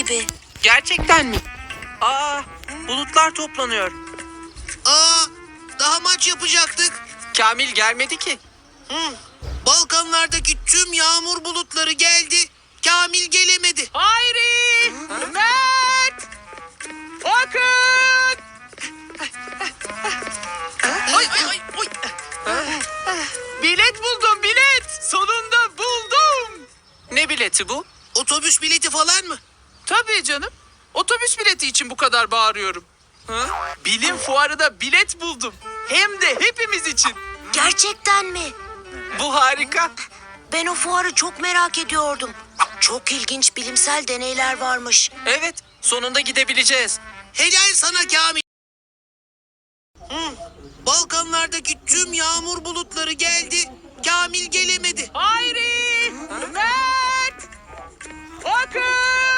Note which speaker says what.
Speaker 1: gibi.
Speaker 2: Gerçekten mi? Aa, bulutlar toplanıyor.
Speaker 3: Daha maç yapacaktık.
Speaker 2: Kamil gelmedi ki.
Speaker 3: Balkanlardaki tüm yağmur bulutları geldi. Kamil gelemedi.
Speaker 4: Hayri! Mert! Akın! Ay ay ay oy. Bilet buldum bilet. Sonunda buldum.
Speaker 2: Ne bileti bu?
Speaker 3: Otobüs bileti falan mı?
Speaker 4: Tabii canım. Otobüs bileti için bu kadar bağırıyorum. Bilim fuarında bilet buldum. Hem de hepimiz için.
Speaker 1: Gerçekten mi?
Speaker 2: Bu harika.
Speaker 1: Ben o fuarı çok merak ediyordum. Çok ilginç bilimsel deneyler varmış.
Speaker 2: Evet, sonunda gidebileceğiz.
Speaker 3: Helal sana Kamil. Balkanlardaki tüm yağmur bulutları geldi. Kamil gelemedi.
Speaker 4: Hayri! Mert! Akın!